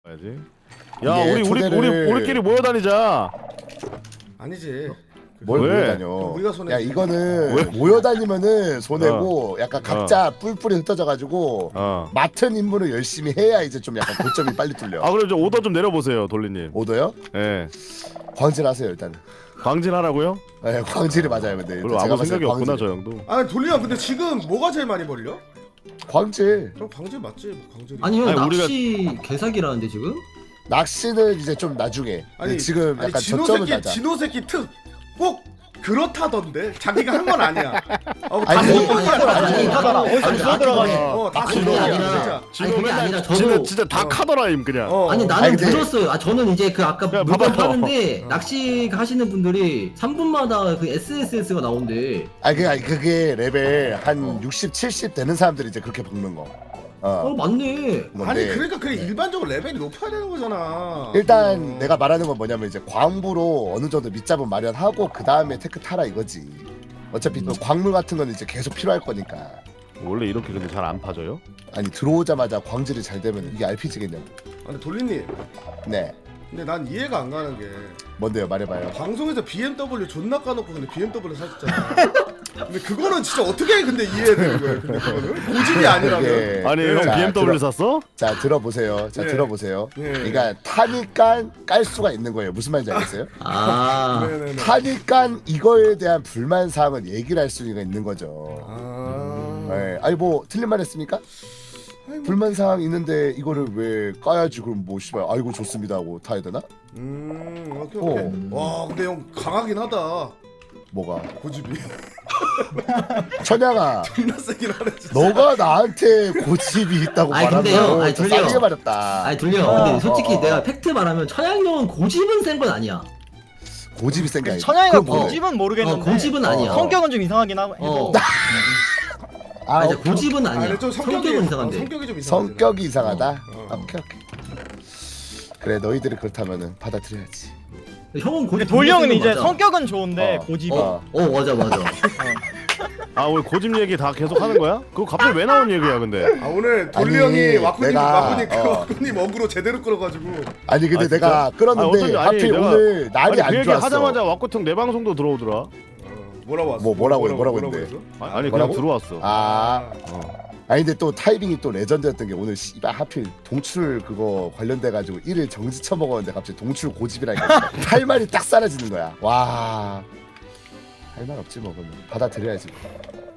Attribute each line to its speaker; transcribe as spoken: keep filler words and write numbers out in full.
Speaker 1: 야지. 야
Speaker 2: 이게
Speaker 1: 우리 우리
Speaker 2: 초대를-
Speaker 1: 우리 우리끼리 모여 다니자.
Speaker 3: 아니지.
Speaker 2: 뭘
Speaker 1: 왜?
Speaker 2: 모여다녀?
Speaker 3: 우리가 손해.
Speaker 2: 야 이거는
Speaker 1: 왜?
Speaker 2: 모여다니면은 손해고 약간 각자 뿔뿔이 흩어져가지고
Speaker 1: 어.
Speaker 2: 맡은 임무를 열심히 해야 이제 좀 약간 고점이 빨리 뚫려.
Speaker 1: 아 그럼 좀 오더 좀 내려보세요, 돌리님.
Speaker 2: 오더요?
Speaker 1: 예.
Speaker 2: 광질하세요 일단은.
Speaker 1: 광진하라고요?
Speaker 2: 네, 광질이 맞아요 근데.
Speaker 1: 별로 아무 생각이 없구나 저 형도.
Speaker 3: 아니 돌리야 근데 지금 뭐가 제일 많이 벌려?
Speaker 2: 광질.
Speaker 3: 그럼 광질 맞지? 뭐 광질이.
Speaker 4: 아니 형
Speaker 1: 아니,
Speaker 4: 낚시 개사기라는데 지금?
Speaker 2: 낚시는 이제 좀 나중에. 근데 지금
Speaker 3: 아니,
Speaker 2: 약간
Speaker 3: 진호
Speaker 2: 저점을
Speaker 3: 새끼
Speaker 2: 낮아.
Speaker 3: 진호 새끼 특 꼭 그렇다던데 자기가 한 건 아니야. 어, 다
Speaker 2: 아니,
Speaker 3: 수동이야.
Speaker 4: 아니,
Speaker 3: 다
Speaker 4: 아니,
Speaker 3: 수동.
Speaker 4: 하더라.
Speaker 3: 어,
Speaker 4: 어디서
Speaker 3: 아니,
Speaker 4: 주워
Speaker 3: 다
Speaker 4: 들어가니.
Speaker 3: 수동이야. 어, 다
Speaker 4: 아니, 그게
Speaker 3: 수동이야.
Speaker 4: 아니라-
Speaker 3: 진짜.
Speaker 4: 아니 그게 아니라 저도
Speaker 1: 진짜 진짜 다
Speaker 3: 어.
Speaker 1: 카더라임 그냥.
Speaker 3: 어.
Speaker 4: 아니 나는
Speaker 2: 아니, 근데-
Speaker 4: 들었어요. 아 저는 이제 그 아까
Speaker 1: 야,
Speaker 4: 물건
Speaker 1: 봐봐요.
Speaker 4: 파는데
Speaker 3: 어.
Speaker 4: 낚시 하시는 분들이 삼 분마다 그 에스에스에스가 나온대.
Speaker 2: 아니 그게, 아니, 그게 레벨 한 육십, 칠십 되는 사람들이 이제 그렇게 먹는 거.
Speaker 4: 어
Speaker 2: 어.
Speaker 4: 맞네.
Speaker 2: 건데
Speaker 3: 아니 그러니까 그게 일반적으로 레벨이 높아야 되는 거잖아.
Speaker 2: 일단
Speaker 3: 어.
Speaker 2: 내가 말하는 건 뭐냐면 이제 광부로 어느 정도 밑잡은 마련하고 그 다음에 테크 타라 이거지. 어차피 또 광물 같은 건 이제 계속 필요할 거니까.
Speaker 1: 원래 이렇게 근데 잘 안 파져요?
Speaker 2: 아니 들어오자마자 광질이 잘 되면 이게 알피지겠냐고.
Speaker 3: 아니 돌리님.
Speaker 2: 네.
Speaker 3: 근데 난 이해가 안 가는 게
Speaker 2: 뭔데요? 말해봐요.
Speaker 3: 방송에서 비엠더블유 존나 까놓고 근데 비엠더블유 사셨잖아. 근데 그거는 진짜 어떻게 근데 이해되는 거예요? 근데 그거는 고집이 아니라면.
Speaker 2: 그게-
Speaker 1: 아니 형
Speaker 2: 자,
Speaker 1: 비엠더블유
Speaker 2: 들어-
Speaker 1: 샀어?
Speaker 2: 자 들어보세요. 자
Speaker 3: 네.
Speaker 2: 들어보세요.
Speaker 3: 네.
Speaker 2: 그러니까 타니까 깔 수가 있는 거예요. 무슨 말인지 알겠어요?
Speaker 4: 아
Speaker 3: 네네네.
Speaker 2: 타니까 이거에 대한 불만 사항을 얘기를 할 수가 있는 거죠.
Speaker 3: 아.
Speaker 2: 네. 아니 뭐 틀린 말 했습니까?
Speaker 3: 아이고.
Speaker 2: 불만 사항 있는데 이거를 왜 까야지 그럼 뭐 씨발 아이고 좋습니다 하고 타야 되나?
Speaker 3: 음 오케이 오케이.
Speaker 2: 어.
Speaker 3: 와 근데 형 강하긴 하다.
Speaker 2: 뭐가?
Speaker 3: 고집이.
Speaker 2: 천양아
Speaker 3: 존나 세긴 하네 진짜.
Speaker 2: 너가 나한테 고집이 있다고
Speaker 4: 아니,
Speaker 2: 말하면
Speaker 4: 근데요, 아니,
Speaker 2: 좀
Speaker 4: 돌려.
Speaker 2: 싸게 말했다.
Speaker 4: 아니 돌려.
Speaker 2: 어,
Speaker 4: 근데 솔직히
Speaker 2: 어, 어.
Speaker 4: 내가 팩트 말하면 천양이 형은 고집은 센 건 아니야.
Speaker 2: 고집이 센 게 아니야.
Speaker 5: 천양이가
Speaker 2: 그건 뭐예요?
Speaker 5: 고집은 모르겠는데
Speaker 4: 어, 고집은 아니야.
Speaker 2: 어.
Speaker 5: 성격은 좀 이상하긴 하고
Speaker 4: 어.
Speaker 2: 아,
Speaker 4: 아, 이제
Speaker 2: 오케이.
Speaker 4: 고집은
Speaker 3: 아
Speaker 4: 아니야.
Speaker 3: 근데 좀 성격이
Speaker 4: 성격은 이상한데.
Speaker 3: 어, 성격이 좀 이상해.
Speaker 2: 성격이 이상하다.
Speaker 3: 어.
Speaker 2: 아, 오케이 오케이. 그래 너희들이 그렇다면은 받아들여야지.
Speaker 4: 형은 고집.
Speaker 5: 돌리 형은
Speaker 4: 센건
Speaker 5: 이제
Speaker 4: 맞아.
Speaker 5: 성격은 좋은데
Speaker 2: 어.
Speaker 5: 고집이
Speaker 4: 어, 어 맞아 맞아.
Speaker 1: 아 왜 고집 얘기 다 계속 하는 거야? 그거 갑자기 왜 나온 얘기야 근데?
Speaker 3: 아 오늘 돌리
Speaker 2: 아니,
Speaker 3: 형이 와꾸님
Speaker 2: 내가-
Speaker 3: 와꾸님 그
Speaker 2: 어.
Speaker 3: 와꾸님 어그로 제대로 끌어가지고.
Speaker 2: 아니 근데
Speaker 1: 아,
Speaker 2: 내가 끌었는데
Speaker 1: 아니, 어쩐지- 아니,
Speaker 2: 하필
Speaker 1: 내가-
Speaker 2: 오늘 날이
Speaker 1: 아니 그
Speaker 2: 안
Speaker 1: 얘기
Speaker 2: 좋았어.
Speaker 1: 하자마자 왁구통 내 방송도 들어오더라.
Speaker 3: 어, 뭐라고 왔어?
Speaker 2: 뭐, 뭐라고 해, 뭐라고 했는데?
Speaker 3: 했어?
Speaker 1: 아니, 아니
Speaker 2: 뭐라고?
Speaker 1: 그냥 들어왔어.
Speaker 2: 아,
Speaker 1: 어.
Speaker 2: 아니 근데 또 타이밍이 또 레전드였던 게 오늘 씨발 하필 동출 그거 관련돼 가지고 일을 정지 쳐먹었는데 갑자기 동출 고집이라니까 할 말이 딱 사라지는 거야. 와, 할 말 없지 뭐 그러면 받아들여야지.